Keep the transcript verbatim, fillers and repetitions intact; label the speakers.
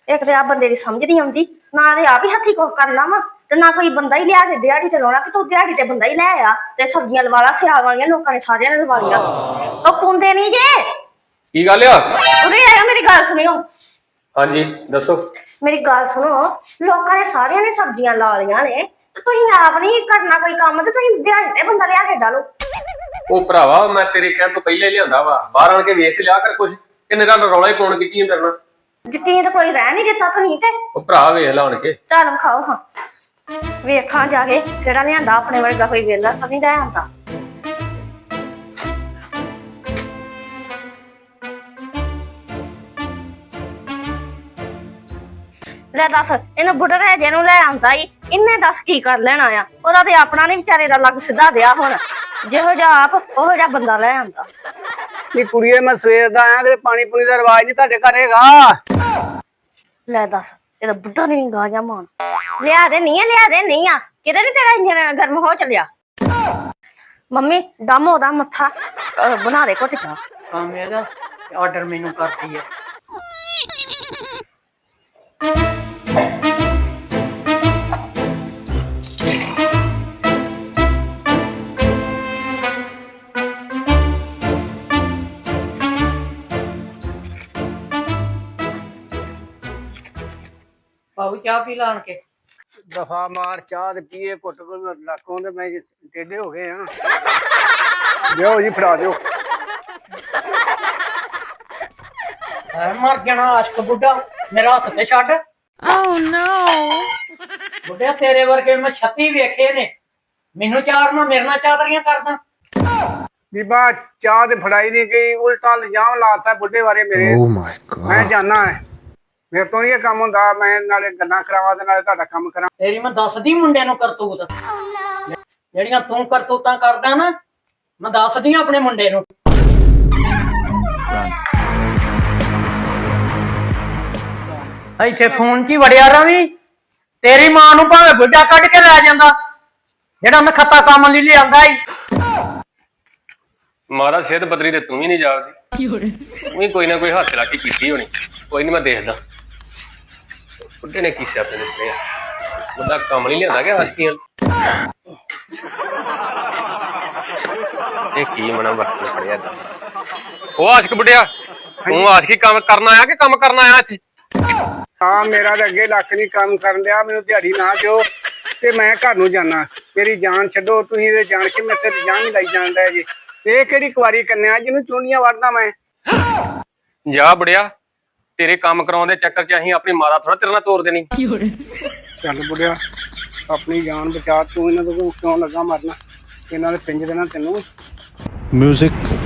Speaker 1: एक तो आ बंदे की समझ नहीं आती ना ते आप ही हथी कुछ करना वा ते ना कोई बंदा ही लिया के दिहाड़ी ते लाउणा कि तू दिहाड़ी ते बंदा ही लै आ ते सब्जियां लवा ला सियाल वालियां लोकां ने सारियां ने लवा लियां ओ पुंदे नहीं जे
Speaker 2: की गल आ
Speaker 1: उरे आया मेरी गल सुनियो
Speaker 2: हाँ जी दसो
Speaker 1: मेरी गल सुनो लोकां ने सारियां ने सब्जियां ला लियां ने ते तुसीं आप नहीं करना कोई काम ते तुसीं दिहाड़ी ते बंदा लिया के डालो
Speaker 2: ओ भरावा मैं तेरे कहण तो पहले लियांदा वा बाहर आण के वेख लिया कर कुछ किन्ने गल रौला ही पाउण खिच्ची मेरे नाल
Speaker 1: यकीन तो कोई रह नहीं दिता तुसीं ते
Speaker 2: ओ भरा वेख ला आण के
Speaker 1: चल खाओ हाँ वेखां जाके केड़ा लियांदा अपने वर्गा कोई वेला तो नहीं लै आंदा ले दस इन बुढ़े जे नूं लै आंदा ही इन्ने दस की कर लेना आ ओदा ते अपना नहीं विचारे दा लग सीधा दिया हुण जिहो जिहा आप ओहो जिहा बंदा लै आंदा
Speaker 3: नी कुड़िए मैं सवेर दा आया कि पानी पुनी दा रिवाज नहीं तुहाडे घर हैगा
Speaker 1: ले दस एदा बुढ़ा नहीं गाजा मान लिया दे नहीं है लिया दे नहीं आ किते नहीं तेरा इंजन गर्म हो चलिया मम्मी दम ओदा मत्था बना दे घुट जा
Speaker 4: काम एदा ऑर्डर मेनू करती है बाबू चाह पी लान के
Speaker 3: दफा मार चाह ते पीए घुट लाखों ते मैं टेढ़े हो गए हाँ दियो जी फड़ा दियो
Speaker 4: मर जाना आशक बुढ़ा मेरा हाथ ते छड्ड
Speaker 5: Oh no!
Speaker 4: बुढ़िया तेरे वर्गे मैं छत्ती वेखे ने मैनू चार ना मेरे नाल चादरियां करदा
Speaker 3: बीबा चाह ते फड़ाई नहीं गई उल्टा इल्जाम लाता बुढ़े बारे मेरे
Speaker 6: Oh my God.
Speaker 3: मैं जाना है मेरे तो ये काम होंदा मैं नाले गल्लां करावा ते नाले ਤੁਹਾਡਾ ਕੰਮ ਕਰਾਂ
Speaker 4: तेरी मैं दसदी मुंडे नू करतूत जेड़ियां तू करतूतां करदा ना मैं दसदी अपने मुंडे नू ਇੱਥੇ ਫੋਨ 'ਚ ਹੀ ਵੜਿਆ ਰਵੀ ਤੇਰੀ ਮਾਂ ਨੂੰ ਭਾਵੇਂ ਬੁੱਢਾ ਕੱਢ ਕੇ ਲੈ ਜਾਂਦਾ ਜਿਹੜਾ ਨਖੱਤਾ ਕੰਮ ਲਈ ਲਿਆਂਦਾ ਈ
Speaker 2: ਮਾਰਾ ਸਿਹਤ ਬਦਰੀ ਤੇ ਤੂੰ ਵੀ ਨਹੀਂ ਜਾਗਦੀ ਉਹੀ ਕੋਈ ਨਾ ਕੋਈ ਹੱਥ ਲਾ ਕੇ ਕੀਤੀ ਹੋਣੀ ਕੋਈ ਨਹੀਂ ਮੈਂ ਦੇਖਦਾ ਬੁੱਢੇ ਨੇ ਕੀ ਸਿਆਪੇ ਦਿੱਤੇ ਆ ਬੁੱਢਾ ਕੰਮ ਨਹੀਂ ਲਿਆਂਦਾ ਕਿ ਹਸਕੀਆਂ ਇਹ ਕੀ ਮਨਾ ਵਕਤ ਫੜਿਆ ਦੱਸ ਉਹ ਆਸ਼ਕ ਬੁੱਢਿਆ ਤੂੰ ਆਸ਼ਕੀ ਕੰਮ ਕਰਨ ਆਇਆ ਕਿ ਕੰਮ ਕਰਨ ਆਇਆ ਅੱਜ
Speaker 3: ਹਾਂ ਮੇਰਾ ਤਾਂ ਅੱਗੇ ਲੱਖ ਨਹੀਂ ਕੰਮ ਕਰਨ ਦਿਆ ਮੈਨੂੰ ਦਿਹਾੜੀ ਨਾ ਦਿਓ ਤੇ ਮੈਂ ਘਰ ਨੂੰ ਜਾਣਾ ਮੇਰੀ ਜਾਨ ਛੱਡੋ ਤੁਸੀਂ ਇਹ ਜਾਣ ਕੇ ਮੈਂ ਤੇ ਜਾਨ ਨਹੀਂ ਲਈ ਜਾਂਦਾ ਜੀ ਇਹ ਕਿਹੜੀ ਕੁਵਾਰੀ ਕੰਨਿਆ ਜਿਹਨੂੰ ਚੁੰਡੀਆਂ ਵੜਦਾ ਮੈਂ
Speaker 2: ਜਾ ਬੁੜਿਆ ਤੇਰੇ ਕੰਮ ਕਰਾਉਣ ਦੇ ਚੱਕਰ 'ਚ ਅਸੀਂ ਆਪਣੀ ਮਾਤਾ ਥੋੜਾ ਤੇਰੇ ਨਾਲ ਤੋੜ ਦੇਣੀ
Speaker 3: ਚੱਲ ਬੁੜਿਆ ਆਪਣੀ ਜਾਨ ਬਚਾ ਤੂੰ ਇਹਨਾਂ ਤੋਂ ਕਿਉਂ ਲੱਗਾ ਮਰਨਾ ਇਹਨਾਂ ਦੇ ਪਿੰਜ ਦੇਣਾ ਤੈਨੂੰ
Speaker 6: Music